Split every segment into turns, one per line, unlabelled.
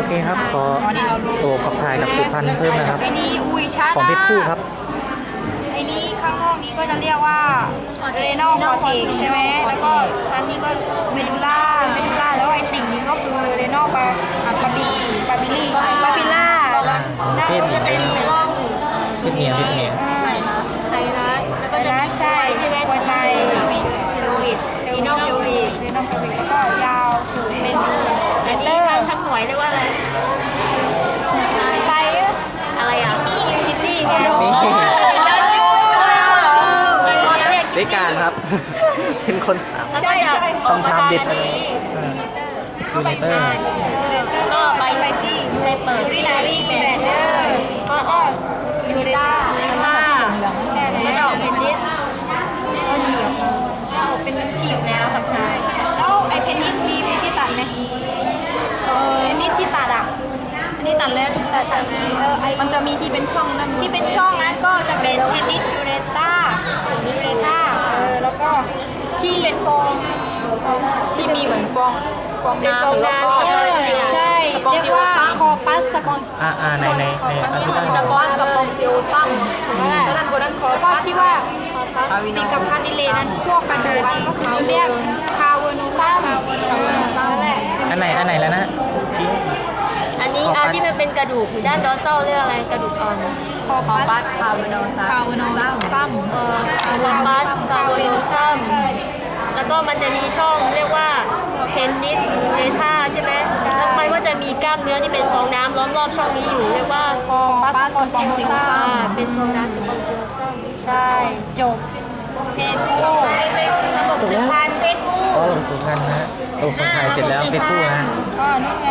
เคครับขอตัวขับถ่ายกับสุพรรณเพิ่มนะครับ
ไอ้นี่อุ้ยชา
ของเพชรคู่ครับ
ไอ้นี่ข้างนอกนี้ก็จะเรียกว่าเรโนคอร์เทกใช่ไหมแล้วก็ชั้นนี้ก็เมดูล่าแล้วไอ้ติ่งนี้ก็คือเรโนบาบิล่าด้านบนก็จะมีร่อง
เพชรเมีย
ไทรัสแล้วก็จะมีใช่ไหมไวไทยเดวิสเรโนเดวิสแล้วก็ยาวสูงเป็นอันนี้ทั้งหน่วยเรียกว่าอะไรไตอะไรอ่ะคิตตี้เนี่ย
ได้การครับ เป็นคนถาม
ใช่
คำถามเด็ดอะไรยูเนเตอร์
ก็ไปที่ยูรินารีแบนเดอร์ก็ยูเรต้าใช่แล้วก็เป็นดิสก็ฉีกเป็นฉีกแล้วกับชายแล้วไอ้เพนนิสมีที่ตัดไหมเพนนิสที่ตัดอ่ะอันนี้ตัดแล้วตัดมันจะมีที่เป็นช่องนั่นที่เป็นช่องนั้นก็จะเป็นเพนนิสยูเรต้าแล้วก็ที่เป็นฟองที่มีเหมือนฟองน้ำใช่เรียกว่าคอปัสสปอน
ในอัลฟิตัน
สปอนสปองจิโอซัมแล้วนั่นคอแล้วก็ที่ว่าติดกับคาร์ดิเลนั้นพวกกันวันก็คือเรียกคาเวโนซัมนั่นแหละ
อันไหนแล้วนะชี้
อันนี้ที่มันเป็นกระดูกอยู่ด้านดอร์ซัลเรียกอะไรกระดูกอ่อน
คอปัสคาเวโนซัม
คอปัสกาโวโนซัมแล้วก็มันจะมีช่องเรียกว่าเพนนิสเนธาใช่ไหมแล้วมันก็จะมีกล้ามเนื้อที่เป็นฟองน้ำล้อมรอบช่องนี้อยู่เรียกว่า
คอปัสสปองจิโอซัม
เป็นฟองน้ำสปองจิโอซัม
ใช่จบเพนโก้
จบแล้ว
พันเพชรคู่
ก็ลงสุพรรณนะฮะตัวคนถ่ายเสร็จแล้วเพชรคู่นะ
นู่นไง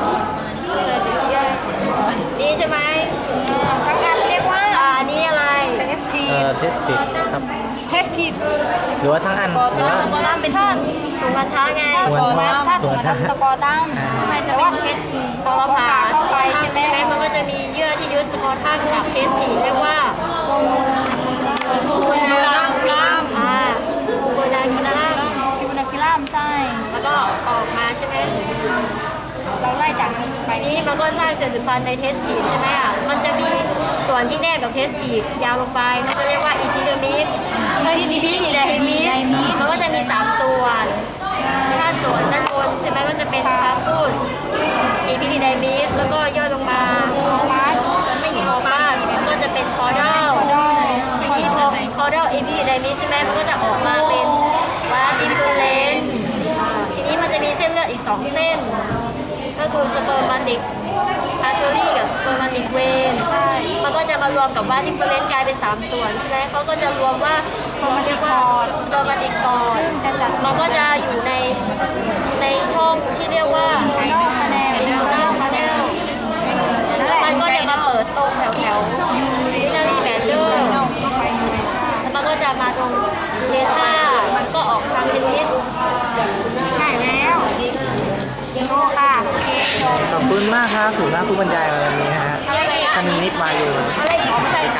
นี่ใช่ไหม
ทั้งอันเรียกว่า
อันนี้อะไร
เทสที
เทสติกครับ
เทสที
หรือว่าทั้งอันหรือว่า
สปอร์ตัมเป็นท่านถุงพันธะไง
ถ้าถุงมันสปอร์ตัมมันจะว่าเทสทีพอผ่าเข้าไปใช่ไหม
มันก็จะมีเยื่อที่ยึดสปอร์ตัมกับเทสทีเรียกว่า
โคนาคิลัม
โกนาคิล่า
คิวนาคิลัมใช่
แล้วก็ออกมาใช่ไหม
เราไล่จากนี้ไป
ทีนี้มันก็สร้างเซลล์สืบพันธุ์ในเทสทีใช่ไหมอ่ะมันจะมีส่วนที่แนบกับเทสทียาวลงไปมันจะเรียกว่าอีพิเดอร์มิสอีพิเดอร์มิสมันก็จะมี3ส่วนถ้าส่วนด้านบนใช่ไหมมันจะเป็นคาพูสอีพิเดอร์มิสแล้วก็ย่อลงมา
พาร์ท
ไม่มีคอมาสมันก็จะเป็นคอร์ดัลทีนี้พอคอร์ดัลอีพิเดอร์มิสใช่ไหมมันก็จะออกมาเป็นวาติฟูเลนทีนี้มันจะมีเส้นเลือดอีก2เส้นก็คือสเปอร์มาติกอาร์เทอรี่กับสเปอร์มาติกเวนมันก็จะมารวมกับว่าที่เฟรนกลายเป็น3ส่วนใช่ไหมเขาก็จะรวมว่าเรียกว่าสเปอร์มาติกกอ
ซึ่งจะจัด
มันก็จะอยู่ในช่องที่เรียกว่า
กันนอกคะแนน
อินเตอร์พาเนล
นั่นแหละ
มันก็จะมาเปิดตรงแถวยูรินารีแบนเดอร์แล้วมันก็จะมาตรงเดต้ามันก็ออกทางเทนนิส
ใช่แล้วโอค่ะโอเคจบ
ขอบคุณมากครับถูกหน้าผู้บรรยายวันนี้นะฮะคณินิตวายู
อะไรอีกอะไรอีก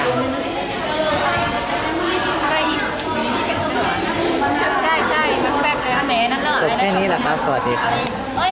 ใช่มันแฟบเลยอันไหนนั่นเลย
จบแค่นี้แหละครับ สวัสดีครับ